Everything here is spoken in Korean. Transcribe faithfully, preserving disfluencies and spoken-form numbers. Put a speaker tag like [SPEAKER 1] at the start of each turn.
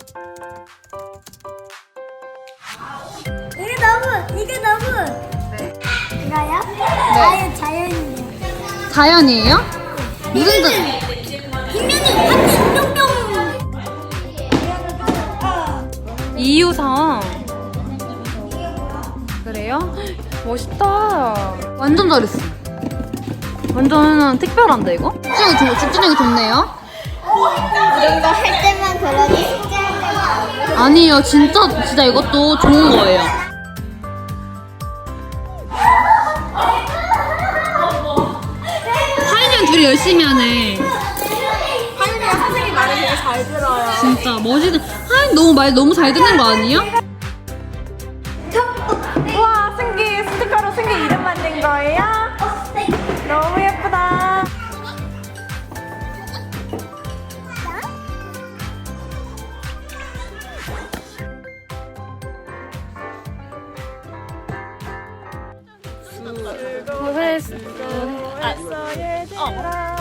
[SPEAKER 1] 이게 너무 이게 너무.
[SPEAKER 2] 네.
[SPEAKER 1] 이거요? 자연 자연이에요.
[SPEAKER 2] 자연이에요? 무슨 자...
[SPEAKER 1] 뒷면이 한입 뿅뿅.
[SPEAKER 2] 이유상. 그래요? 멋있다. 완전 잘했어. 완전 특별한데 이거? 집중이, 좋, 집중력이 좋네요.
[SPEAKER 1] 이런 거 할 때만 그러니 숙제할 때만 안 그러니.
[SPEAKER 2] 아니에요. 진짜 진짜 이것도 좋은 거예요. 하인이랑 둘이 열심히 하네.
[SPEAKER 3] 하윤이가 선생님 말을 되게 잘 들어요.
[SPEAKER 2] 진짜 멋있는. 하인 너무 말 너무 잘 듣는 거 아니야?
[SPEAKER 3] 우와, 승기 스티커로 승기 이름 만든 거예요? 너무 예쁘다.
[SPEAKER 2] 고생했어.
[SPEAKER 3] 수고했어 얘들아.